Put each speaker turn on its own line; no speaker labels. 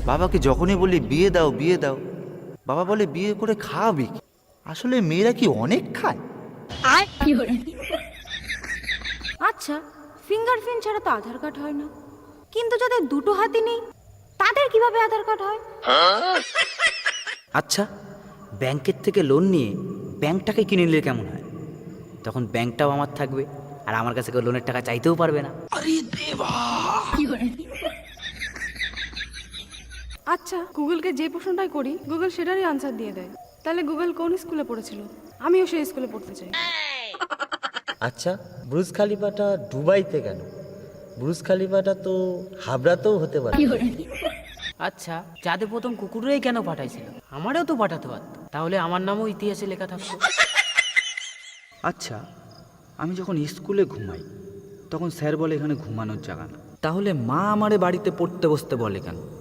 বাবাকে যখনই বলি বিয়ে দাও বিয়ে দাও, বাবা বলে বিয়ে করে খাওয়াবি কি? আসলে মেয়েরা কি অনেক খায়?
আচ্ছা, ফিঙ্গারপ্রিন্ট ছাড়া তো আধার কার্ড হয় না, কিন্তু যাদের দুটো হাতই নেই তাদের কিভাবে আধার কার্ড হয়?
আচ্ছা, ব্যাংকের থেকে লোন নিয়ে ব্যাংকটাকে কিনে নিলে কেমন হয়? তখন ব্যাংকটাও আমার থাকবে, আর আমার কাছে কেউ লোনের টাকা চাইতেও পারবে না।
আচ্ছা, গুগলকে যে প্রশ্নটাই করি গুগল সেটারই আনসার দিয়ে দেয়। তাহলে গুগল কোন স্কুলে পড়েছিল? আমিও সেই স্কুলে পড়তে চাই।
আচ্ছা, ব্রুজ খালিফাটা দুবাইতে কেন? ব্রুজ খালিফাটা তো হাবড়াতেও হতে পারে।
আচ্ছা, যাদের প্রথম কুকুরেই কেন পাঠাইছিল? আমারও তো পাঠাতে পারত, তাহলে আমার নামও ইতিহাসে লেখা থাকতো।
আচ্ছা, আমি যখন স্কুলে ঘুমাই তখন স্যার বলে এখানে ঘুমানোর জায়গা না, তাহলে মা আমারে বাড়িতে পড়তে বসতে বলে কেন?